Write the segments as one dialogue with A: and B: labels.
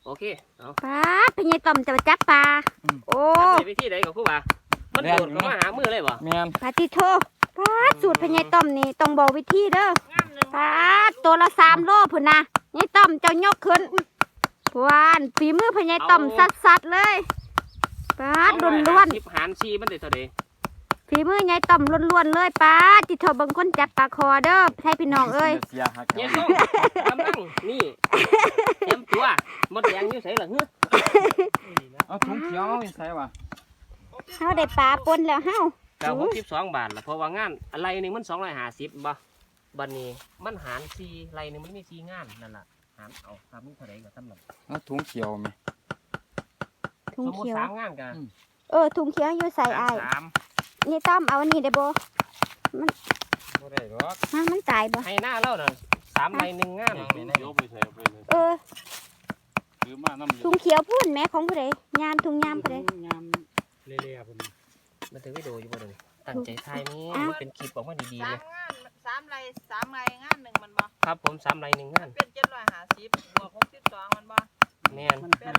A: โอเคเอา
B: ปลาพญายต่อมจะมาจับปลาโอ้
A: ทำในวิธีใดกับครูบามันโดดเข้ามาหามือเลยบ่
C: แม่น
B: ปลาติโทปลาสูตรพญายต่อมนี่ต้องบอกวิธีเด้อปลาตัวละ3 โลพุ่นนะยายต่อมเจ้ายกขึ้นหวานฝีมือพญายต่อมสัดๆเลยปลาล้วน
A: หารชีมันได้เท่าใด
B: ๆฝีมือยายต่อมล้วนๆเลยปลาติโทเบิ่งคนจับปลาคอเด้อให้พี่น้องเอ้ย
C: เสียหัก
A: เนี่ยต้องกำลังนี่เต็มตัวมดแดงอยู่ไสล่ะเฮ้อ
C: เอาถุงเขียวใส่ว่ะ
B: เฮาได้ปลาปนแล้วเฮา
A: แต่62 บาทล่ะเพราะว่างานอะไรนึงมัน250บ่บัดนี้มันหาร4ไรนึงมันมี4งานนั่นล่ะหารเอาครับมีเท่าใดก็สำหรับ
C: เอาถุงเขียวไหม
B: ถุง
A: สมมุติ
B: เขียว
A: 3งานก็
B: ถุงเขียวอยู่ใส่อ้าย
A: 3
B: นี่ต้อมเอาอันนี้ได้บ่
C: บ่ได้หรอก
B: มันตายบ่
A: ให้หน้าเราน่ะ3ไร1งาน
D: ยกไปใส่ไปเลย
B: เออ
D: ซื้อมาน้ำเย
B: ถุงเขียวพุ่นแม่ของผู้ใดยามถุงยามผู้ใด
C: ยามเละๆพุ่น
A: มันถึงวิดีโออยู่บ่เด้อตั้งใจถ่ายนี่มันเป็นคลิปออกมาดีๆ
E: สา
A: เล
E: ม
A: ย
E: งาน3 ไร่งานหนึ่งมันบ่
A: ครับผม3ไร1งาน
E: เป็น750บวก62มันบ่
A: แม่น
E: เป็น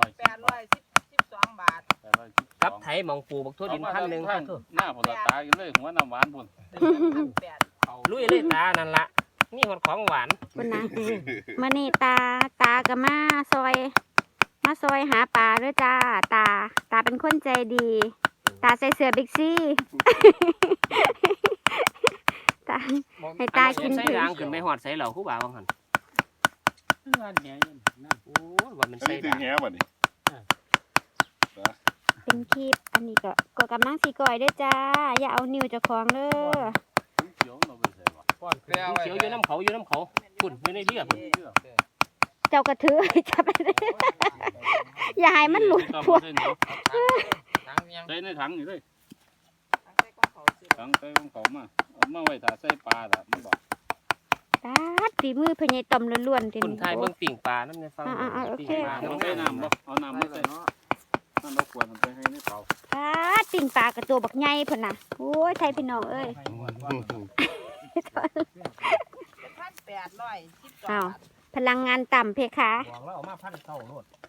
E: 812 บาท
A: กับไถหมองปูบักทั่วดิน1,000ครับ
D: หน้าผลตากินเลยหัวน้ำหวานพุ่น
E: 1,800
A: ลุยเลยตานั่นละนี่หดของหวาน
B: พุ่นนะมื้อนี้ตาก็มาซอยหาปลาเด้อจ้าตาเป็นคนใจดี ตาใส่เสื้อบิ๊กซี่ ตา ให้ตากิน
A: ใส่รางขึ้นไปหอดใส่เหล่าคู่บ่าวบางหัน
C: ร้านแหน่นั่น
A: โอ้ยว่ามัน
D: อัน
A: ใส่
D: นี้ถึ
A: ดาง
D: แง่บ่นี่
B: เป็นคลิปอันนี้ก็กำลังสิก่อยเด้อจ้า อย่าเอานิ้วเจ้าของเด้อ
D: เขียวเราไปใส่บ่
C: ป้อนเกลือไว้
A: เขียวอยู่น้ำเขาปุ่นอยู่ในเรือพุ่น
B: เจ้ากระถือจับไปเลยอย่าให้มันหลุด
D: ต้อง
B: พวก
D: ใส่เหนียว
C: ถังยัง
D: ใส่ในถังนี่เลย
E: ใส่ของเขาซื้อ
D: ถังใส่ของเขามาเอามาไว้ถ้าใส่ปลาล่ะมันบอก
B: ตาฝีมือพญายต่อมล้วนๆเต็ม
A: ปุ่นไทยเบิ่งปิ่งปลาน้ำในฟัง
B: โอเค
A: ปิ่งปลา
D: เอา
A: น้ำ
D: ใส่น้ำบ่เอาน้ำมาใส่น้ำเราควรไปให้ในเตา
B: ตาปิ่งปลากระตัวบักใหญ่พุ่นน่ะโอ้ยไทยพี่น้องเอ้ย
E: 1,812
B: อ้าว
E: บาท
B: พลังงานต่ำเพคะ
A: บอกแล้วเอามา1,900โลด